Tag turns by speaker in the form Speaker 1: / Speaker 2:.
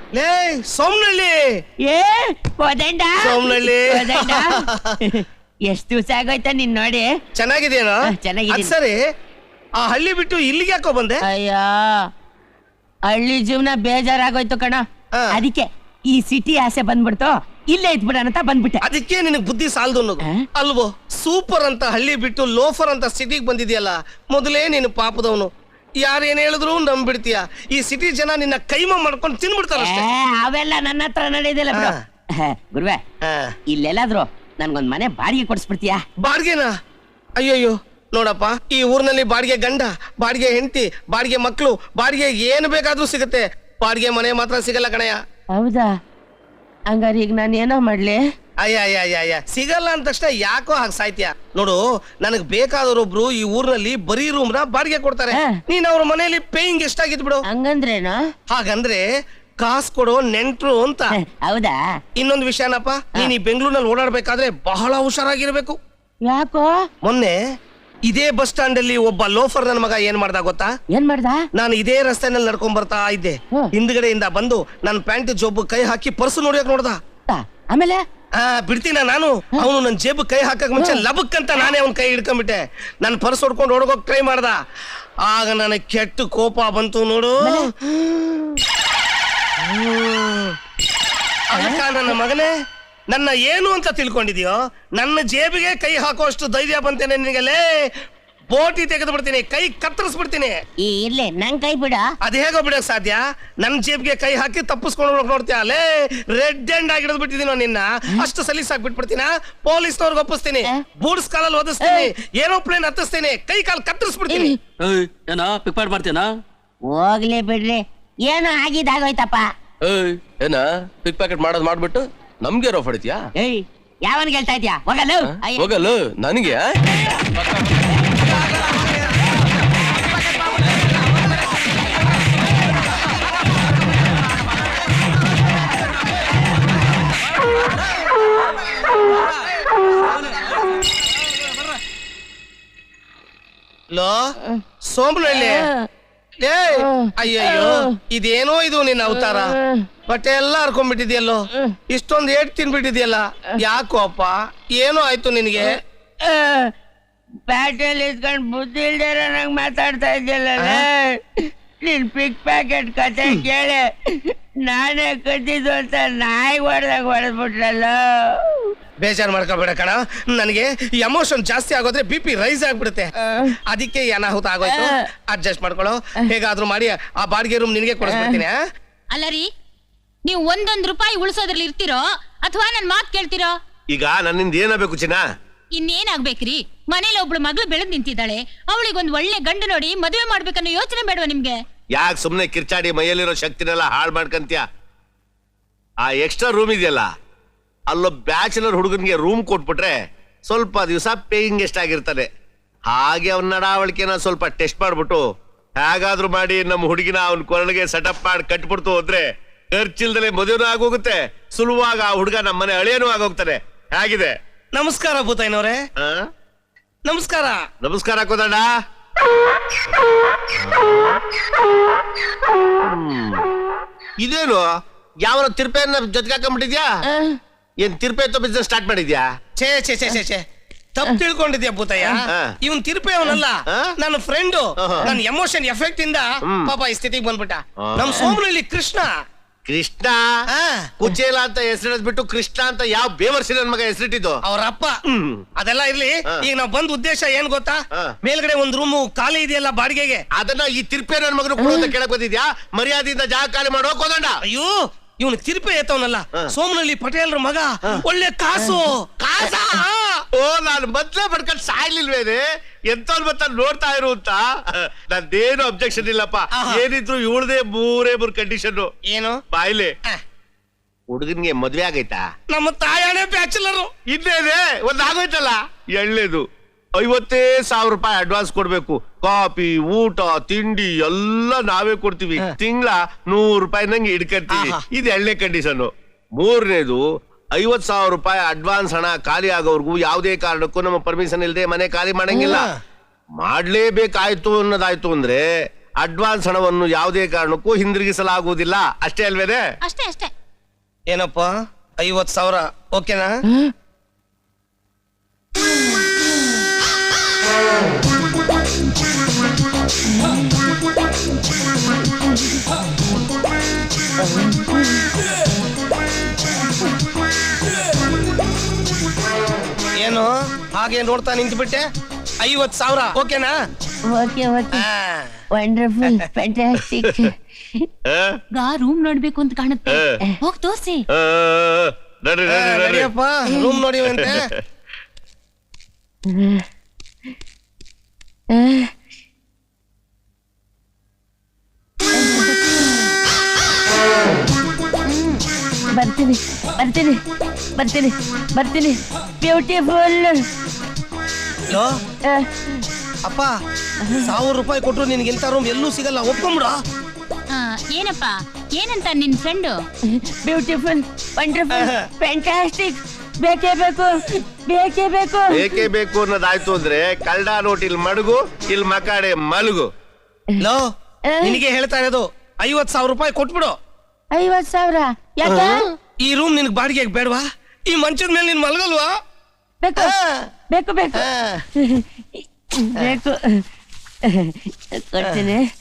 Speaker 1: ಲೇ ಸೋಮನಳ್ಳಿ
Speaker 2: ಏ ಕೋದಂಡ
Speaker 1: ಸೋಮನಳ್ಳಿ
Speaker 2: ಎಷ್ಟು ದಿವಸ ಆಗೋಯ್ತಾ ನಿನ್ ನೋಡಿ.
Speaker 1: ಚೆನ್ನಾಗಿದೇನೋ?
Speaker 2: ಚೆನ್ನಾಗಿದ್ದೀನಿ.
Speaker 1: ಸರಿ, ಆ ಹಳ್ಳಿ ಬಿಟ್ಟು ಇಲ್ಲಿಗೆ ಯಾಕೋ ಬಂದೆ?
Speaker 2: ಅಯ್ಯೋ ಹಳ್ಳಿ ಜೀವನ ಬೇಜಾರಾಗೋಯ್ತು ಕಣ. ಅದಕ್ಕೆ ಈ ಸಿಟಿ ಆಸೆ ಬಂದ್ಬಿಡ್ತು, ಇಲ್ಲೇ ಇದ್ಬಿಡ ಅಂತ ಬಂದ್ಬಿಟ್ಟೆ.
Speaker 1: ಅದಕ್ಕೆ ನಿನಗ್ ಬುದ್ಧಿ ಸಾಲದು ಅನ್ನೋದು ಅಲ್ವೋ? ಸೂಪರ್ ಅಂತ ಹಳ್ಳಿ ಬಿಟ್ಟು ಲೋಫರ್ ಅಂತ ಸಿಟಿಗೆ ಬಂದಿದ್ಯಲ್ಲ, ಮೊದಲೇ ನೀನು ಪಾಪದವನು. ಯಾರೇನ್ ಹೇಳಿದ್ರು ನಂಬಿಡ್ತೀಯ. ಈ ಸಿಟಿ ಜನ ನಿನ್ನ ಕೈಮ ಮಾಡ್ಕೊಂಡು ತಿನ್ಬಿಡ್ತಾರ.
Speaker 2: ಅವೆಲ್ಲ ನನ್ನ ಹತ್ರ ನಡೆಯೋದಿಲ್ಲ ಬಿಡು. ಗುರುವೆ, ಇಲ್ಲೆಲ್ಲಾದ್ರು ನನ್ಗೊಂದ್ ಮನೆ ಬಾಡಿಗೆ ಕೊಡಿಸ್ಬಿಡ್ತೀಯಾ?
Speaker 1: ಬಾಡಿಗೆನಾ? ಅಯ್ಯಯ್ಯೋ ನೋಡಪ್ಪ, ಈ ಊರ್ನಲ್ಲಿ ಬಾಡಿಗೆ ಗಂಡ, ಬಾಡಿಗೆ ಹೆಂಡತಿ, ಬಾಡಿಗೆ ಮಕ್ಕಳು, ಬಾಡಿಗೆ ಏನು ಬೇಕಾದ್ರೂ ಸಿಗುತ್ತೆ. ಬಾಡಿಗೆ ಮನೆ ಮಾತ್ರ ಸಿಗಲ್ಲ ಕಣಯ್ಯ.
Speaker 2: ಹೌದಾ? ಹಂಗಾರೆ ಈಗ ನಾನು ಏನೋ ಮಾಡ್ಲಿ?
Speaker 1: ಅಯ್ಯ ಸಿಗಲ್ಲ ಅಂದ ತಕ್ಷಣ ಯಾಕೋ ಹಾಗೆ ಸಾಯ್ತೀಯ? ನೋಡು, ನನಗ್ ಬೇಕಾದವರೊಬ್ರು ಈ ಊರ್ನಲ್ಲಿ ಬರೀ ರೂಮ್ ನ ಬಾಡಿಗೆ ಕೊಡ್ತಾರೆ. ನೀನ್ ಅವ್ರ ಮನೆಯಲ್ಲಿ ಪೇಯಿಂಗ್ ಎಷ್ಟಾಗಿದ್ ಬಿಡು.
Speaker 2: ಹಂಗಂದ್ರೇನು?
Speaker 1: ಹಾಗಂದ್ರೆ ಕಾಸು ಕೊಡೋ ನೆಂಟ್ರು ಅಂತ.
Speaker 2: ಹೌದಾ?
Speaker 1: ಇನ್ನೊಂದು ವಿಷಯನಪ್ಪ, ನೀನ್ ಈ ಬೆಂಗಳೂರಿನಲ್ಲಿ ಓಡಾಡ್ಬೇಕಾದ್ರೆ ಬಹಳ ಹುಷಾರಾಗಿರ್ಬೇಕು.
Speaker 2: ಯಾಕೋ?
Speaker 1: ಮೊನ್ನೆ ಇದೇ ಬಸ್ ಸ್ಟಾಂಡ್ ಅಲ್ಲಿ ಒಬ್ಬ ಲೋಫರ್ ನನ್ನ ಮಗ ಏನ್ ಮಾಡ್ದ ಗೊತ್ತಾ?
Speaker 2: ಏನ್ ಮಾಡ್ದ?
Speaker 1: ನಾನು ಇದೇ ರಸ್ತೆನಲ್ಲಿ ನಡ್ಕೊಂಡ್ ಬರ್ತಾ ಇದ್ದೆ. ಹಿಂದ್ಗಡೆಯಿಂದ ಬಂದು ನನ್ನ ಪ್ಯಾಂಟ್ ಜೋಬ್ ಕೈ ಹಾಕಿ ಪರ್ಸು ನೋಡಿಯಕ್ ನೋಡ್ದ.
Speaker 2: ಆಮೇಲೆ
Speaker 1: ಬಿಡ್ತೀನ ನಾನು? ಅವನು ನನ್ನ ಜೇಬು ಕೈ ಹಾಕಕ್ ಮುಂಚೆ ಲಬಕ್ ಅಂತ ನಾನೇ ಅವ್ನ ಕೈ ಹಿಡ್ಕೊಂಡ್ಬಿಟ್ಟೆ. ನನ್ ಪರ್ಸ್ ಹೊಡ್ಕೊಂಡು ಓಡೋಗೋಕ್ ಟ್ರೈ ಮಾಡ್ದ. ಆಗ ನನಗೆ ಕೆಟ್ಟ ಕೋಪ ಬಂತು ನೋಡು. ಅದಕ್ಕ ನನ್ನ ಮಗನೇ, ನನ್ನ ಏನು ಅಂತ ತಿಳ್ಕೊಂಡಿದ್ಯೋ? ನನ್ನ ಜೇಬಿಗೆ ಕೈ ಹಾಕುವಷ್ಟು ಧೈರ್ಯ ಬಂತೇನೆ ನಿನಗಲೇ? ಬೋಟಿ ತೆಗೆದು ಬಿಡ್ತೀನಿ, ಕೈ ಕತ್ತರಿಸ್ಬಿಡ್ತೀನಿ.
Speaker 2: ಇರ್ಲಿ, ನನ್ ಕೈ ಬಿಡ.
Speaker 1: ಅದ್ ಹೇಗೋ ಬಿಡಕ್ ಸಾಧ್ಯ? ನನ್ ಜೇಬ್ಗೆ ಕೈ ಹಾಕಿ ತಪ್ಪಿಸ್ಕೊಂಡು ನೋಡ್ತೀಯ ಅಲ್ಲೇ? ರೆಡ್ ಹ್ಯಾಂಡ್ ಆಗಿ ಹಿಡಿದು ಬಿಟ್ಟಿದೀನೋ ನಿನ್ನ. ಅಷ್ಟು ಸಲೀಸಾಗಿ ಬಿಟ್ಬಿಡ್ತೀನ? ಪೊಲೀಸ್ನವ್ರಿಗೆ ಒಪ್ಪಿಸ್ತೀನಿ, ಬೂಟ್ಸ್ ಕಾಲಲ್ಲಿ ಓದಿಸ್ತೀನಿ, ಏರೋಪ್ಲೇನ್ ಹತ್ತಿಸ್ತೀನಿ, ಕೈ ಕಾಲು ಕತ್ತರಿಸ್ಬಿಡ್ತೀನಿ.
Speaker 3: ಏನ ಪಿಕ್ ಪಾಕೆಟ್ ಮಾಡ್ತೀಯನಾ?
Speaker 2: ಹೋಗ್ಲಿ ಬಿಡ್ರಿ, ಏನೋ ಆಗಿದ್ದಾಗೋಯ್ತಪ್ಪ.
Speaker 3: ಏನ ಪಿಕ್ ಪ್ಯಾಕೆಟ್ ಮಾಡೋದ್ ಮಾಡ್ಬಿಟ್ಟು ನಮ್ಗೆ ರೋಫ್ ಹೊಡಿತೀಯಾ?
Speaker 2: ಯಾವನ್ಗೆ ಹೇಳ್ತಾ ಇದ್ಯಾ?
Speaker 3: ಹೋಗಲ್ಲ ನನಗೆ.
Speaker 1: ಲೋ ಸೋಮನಳ್ಳಿ, ಅಯ್ಯಯ್ಯೋ ಇದೇನೋ ಇದು ನಿನ್ನ ಅವತಾರ. ಬಟ್ಟೆ ಎಲ್ಲ ಹರ್ಕೊಂಡ್ಬಿಟ್ಟಿದ್ಯಲ್ಲೋ, ಇಷ್ಟೊಂದು ಏಟ್ ತಿನ್ಬಿಟ್ಟಿದ್ಯಲ್ಲ, ಯಾಕೋ ಅಪ್ಪ? ಏನೋ ಆಯ್ತು ನಿನಗೆ?
Speaker 2: ಪ್ಯಾಟೆಲ್ ಇಸ್ಕೊಂಡ್ ಬುದ್ಧಿ ಇಲ್ದೇರ ನಂಗೆ ಮಾತಾಡ್ತಾ ಇದ್ಯಲ್ಲ. ನಿನ್ ಪಿಕ್ ಪ್ಯಾಕೆಟ್ ಕತೆ ಕೇಳಿ ನಾನೇ ಕದ್ದಿದ್ದು ಅಂತ ನಾಯಿ ಹೊಡೆದಾಗ ಹೊಡೆದ್ಬಿಟ್ರಲ್ಲ.
Speaker 1: ಬೇಜಾರು ಮಾಡ್ಕೊಬೇಡ ಕಣ, ನನಗೆ ಎಮೋಷನ್ ಜಾಸ್ತಿ ಆಗೋದ್ರೆ BP ರೈಸ್ ಆಗ್ಬಿಡುತ್ತೆ. ಅದಕ್ಕೆ ಅನಾಹುತ ಆಗೋಯ್ತು. ಅಡ್ಜಸ್ಟ್ ಮಾಡ್ಕೊಳ್ಳೋ, ಹೇಗಾದ್ರೂ ಮಾಡಿ ಆ ಬಾಡಿಗೆ ರೂಮ್ ನಿನಗೆ ಕೊಡಿಸ್ಬಿಡ್ತೀನಿ.
Speaker 4: ಅಲ್ಲ ರೀ, ನೀವು ಒಂದೊಂದು ರೂಪಾಯಿ ಉಳಿಸೋದ್ರಲ್ಲಿ ಇರ್ತಿರೋ ಅಥವಾ ನನ್ ಮಾತ್ ಕೇಳ್ತಿರೋ?
Speaker 5: ಈಗ ನನ್ನಿಂದ ಏನಾಗಬೇಕು ಚಿನ್ನ?
Speaker 4: ಇನ್ನೇನಾಗ್ಬೇಕ್ರಿ? ಮನೇಲಿ ಒಬ್ಳು ಮಗಳು ಬೆಳೆದ್ ನಿಂತಿದ್ದಾಳೆ, ಅವಳಿಗೊಂದ್ ಒಳ್ಳೆ ಗಂಡು ನೋಡಿ ಮದುವೆ ಮಾಡ್ಬೇಕನ್ನೋ ಯೋಚನೆ ಬೇಡವಾ ನಿಮ್ಗೆ?
Speaker 5: ಯಾಕೆ ಸುಮ್ನೆ ಕಿರ್ಚಾಡಿ ಮೈಯಲ್ಲಿರೋ ಶಕ್ತಿನೆಲ್ಲ ಹಾಳು ಮಾಡ್ಕಂತ್ಯ? ಆ ಎಕ್ಸ್ಟ್ರಾ ರೂಮ್ ಇದೆಯಲ್ಲ, ಅಲ್ಲೊಬ್ಬ ಬ್ಯಾಚುಲರ್ ಹುಡುಗನ್ಗೆ ರೂಮ್ ಕೊಟ್ಬಿಟ್ರೆ ಸ್ವಲ್ಪ ದಿವಸ ಪೇಯಿಂಗ್ ಎಷ್ಟಾಗಿರ್ತಾನೆ. ಹಾಗೆ ಅವನ ನಡಾವಳಿಕೆನ ಸ್ವಲ್ಪ ಟೆಸ್ಟ್ ಮಾಡ್ಬಿಟ್ಟು ಹೇಗಾದ್ರೂ ಮಾಡಿ ನಮ್ಮ ಹುಡುಗಿನ ಅವನ ಕೊರಳಿಗೆ ಸೆಟಪ್ ಮಾಡಿ ಕಟ್ಬಿಡ್ತು ಹೋದ್ರೆ ಖರ್ಚಿಲ್ದಲೆ ಮದುವೆನೂ ಆಗೋಗುತ್ತೆ, ಸುಲಭವಾಗಿ ಆ ಹುಡುಗ ನಮ್ಮ ಮನೆ ಅಳಿಯನೂ ಆಗೋಗ್ತಾನೆ. ಹೇಗಿದೆ?
Speaker 1: ನಮಸ್ಕಾರ ಭೂತಾಯಿನವ್ರೆ. ನಮಸ್ಕಾರ.
Speaker 5: ನಮಸ್ಕಾರ ಕೋದಂಡ. ಇದೇನು ಯಾವ ತಿರ್ಪೆಯನ್ನ ಜೊತೆಗೆ ಹಾಕೊಂಡ್ಬಿಟ್ಟಿದ್ಯಾ? ಏನ್ ತಿರ್ಪೆ ಎತ್ತೋ ಬಿಸ್ನೆಸ್ ಸ್ಟಾರ್ಟ್ ಮಾಡಿದ್ಯಾ?
Speaker 1: ಛೇ ಛೇ ಛೇ ಛೇ ಛೇ, ತಪ್ಪು ತಿಳ್ಕೊಂಡಿದ್ಯಾ ಭೂತಯ್ಯ? ಇವನ್ ತಿರುಪೆ ಅವನಲ್ಲ, ನನ್ನ ಫ್ರೆಂಡು. ನನ್ನ ಎಮೋಷನ್ ಎಫೆಕ್ಟ್ ಇಂದ ಪಾಪ ಈ ಸ್ಥಿತಿಗೆ ಬಂದ್ಬಿಟ್ಟ. ನಮ್ ಸೋಮನಳ್ಳಿ ಕೃಷ್ಣ.
Speaker 5: ಕೃಷ್ಣ ಕುಚೇಲ ಅಂತ ಹೆಸರಿಡ್ಬಿಟ್ಟು ಕೃಷ್ಣ ಅಂತ ಯಾವ ಬೇವರ್ಸಿ ನನ್ ಮಗ ಹೆಸರಿಟ್ಟಿದ್ದು?
Speaker 1: ಅವ್ರಪ್ಪ. ಅದೆಲ್ಲ ಇರ್ಲಿ, ಈಗ ನಾವ್ ಬಂದ್ ಉದ್ದೇಶ ಏನ್ ಗೊತ್ತಾ? ಮೇಲ್ಗಡೆ ಒಂದ್ ರೂಮು ಖಾಲಿ ಇದೆಯಲ್ಲ ಬಾಡಿಗೆಗೆ,
Speaker 5: ಅದನ್ನ ಈ ತಿರ್ಪೆ ನನ್ ಮಗನ ಕೊಡು ಅಂತ ಕೇಳಕ್ ಬಂದಿದ್ಯಾ? ಮರ್ಯಾದೆಯಿಂದ ಜಾಗ ಖಾಲಿ ಮಾಡೋ ಕೋದಂಡ.
Speaker 1: ಅಯ್ಯೋ, ಇವನು ತಿರುಪೆ ಎತ್ತವನಲ್ಲ, ಸೋಮನಳ್ಳಿ ಪಟೇಲ್ರ ಮಗ. ಒಳ್ಳೆ ಕಾಸು.
Speaker 5: ಕಾಸ? ಓ, ನಾನು ಮೊದ್ಲೇ ಬಡ್ಕೊಂಡ್ ಸಾಯ್ಲಿಲ್ವೇನೆ? ಎಂತವ್ರು ಮತ್ತ ನೋಡ್ತಾ ಇರು ಅಂತ. ನಂದೇನು ಅಬ್ಜೆಕ್ಷನ್ ಇಲ್ಲಪ್ಪ. ಏನಿದ್ರು ಇವಳದೇ ಮೂರೇ ಮೂರ್ ಕಂಡೀಷನ್.
Speaker 1: ಏನು?
Speaker 5: ಬಾಯ್ಲೆ ಹುಡುಗನ್ಗೆ ಮದ್ವೆ ಆಗೈತಾ?
Speaker 1: ನಮ್ಮ ತಾಯಣೆ ಬ್ಯಾಚುಲರು.
Speaker 5: ಇನ್ನೇನೆ ಒಂದ್ ಆಗೋಯ್ತಲ್ಲ. ಎಳ್ಳೇದು 50,000 ರೂಪಾಯಿ ಅಡ್ವಾನ್ಸ್ ಕೊಡ್ಬೇಕು. ಕಾಫಿ, ಊಟ, ತಿಂಡಿ ಎಲ್ಲ ನಾವೇ ಕೊಡ್ತೀವಿ. ತಿಂಗಳ 100 ರೂಪಾಯಿ ನಂಗೆ ಇಡ್ಕರ್ತೀವಿ. ಇದು ಎಳ್ಳೇ ಕಂಡೀಷನ್. ಮೂರನೇದು 50,000 ರೂಪಾಯಿ ಅಡ್ವಾನ್ಸ್ ಹಣ ಖಾಲಿ ಆಗೋವರೆಗೂ ಯಾವುದೇ ಕಾರಣಕ್ಕೂ ನಮ್ಮ ಪರ್ಮಿಷನ್ ಇಲ್ಲದೆ ಮನೆ ಖಾಲಿ ಮಾಡಂಗಿಲ್ಲ. ಮಾಡ್ಲೇಬೇಕಾಯ್ತು ಅನ್ನೋದಾಯ್ತು ಅಂದ್ರೆ ಅಡ್ವಾನ್ಸ್ ಹಣವನ್ನು ಯಾವುದೇ ಕಾರಣಕ್ಕೂ ಹಿಂದಿರುಗಿಸಲಾಗುವುದಿಲ್ಲ, ಅಷ್ಟೇ ಅಲ್ವೇನೆ?
Speaker 4: ಅಷ್ಟೇ ಅಷ್ಟೇ.
Speaker 1: ಏನಪ್ಪ 50,000 ಓಕೆನಾ? ಏನು ಹಾಗೆ ನೋಡ್ತಾ ನಿಂತ್ಬಿಟ್ಟೆ? 50,000 ಓಕೆನಾ?
Speaker 2: Okay okay, wonderful, fantastic.
Speaker 4: Room ನೋಡ್ಬೇಕು ಅಂತ ಕಾಣುತ್ತೆ, ಹೋಗ್ ತೋರ್ಸಿ.
Speaker 5: ನಡ್ರಿ ನಡ್ರಿ ನಡ್ರಿ.
Speaker 1: ನಡಿಯಪ್ಪ, ರೂಮ್ ನೋಡಿವಂತೆ.
Speaker 2: ಬರ್ತೀನಿ ಬರ್ತೀನಿ ಬರ್ತೀನಿ ಬರ್ತೀನಿ. ಬ್ಯೂಟಿಫುಲ್.
Speaker 1: ಲೋ, ಅಪ್ಪ 1,000 ರೂಪಾಯಿ ಕೊಟ್ರು ನಿನ್ಗೆ ಇಂಥ ರೂಮ್ ಎಲ್ಲೂ ಸಿಗಲ್ಲ, ಒಪ್ಕೊಂಬಿಡ.
Speaker 4: ಏನಪ್ಪ, ಏನಂತ ನಿನ್ ಫ್ರೆಂಡು?
Speaker 2: Beautiful, wonderful, fantastic. ಬೇಕೇ ಬೇಕು, ಬೇಕೇ ಬೇಕು.
Speaker 5: ಬೇಕೇ ಬೇಕು ಅನ್ನೋದಾಯ್ತು ಅಂದ್ರೆ ಕಳ್ಳ ನೋಟ್ ಇಲ್ಲಿ ಮಡಗು, ಇಲ್ಲಿ ಮಕಾಡೆ ಮಲಗು.
Speaker 1: ಲೋ, ನಿನಗೆ ಹೇಳ್ತಾ ಇರೋದು 50,000 ರೂಪಾಯಿ ಕೊಟ್ಬಿಡು.
Speaker 2: 50,000 ಯಾಕೆ?
Speaker 1: ಈ ರೂಮ್ ನಿನ್ಗೆ ಬಾಡಿಗೆಗೆ ಬೇಡವಾ? ಈ ಮಂಚದ ಮೇಲೆ ನೀನ್ ಮಲಗಲ್ವಾ?
Speaker 2: ಬೇಕು ಬೇಕು ಬೇಕು ಬೇಕು. ಕೊಡ್ತೀನಿ.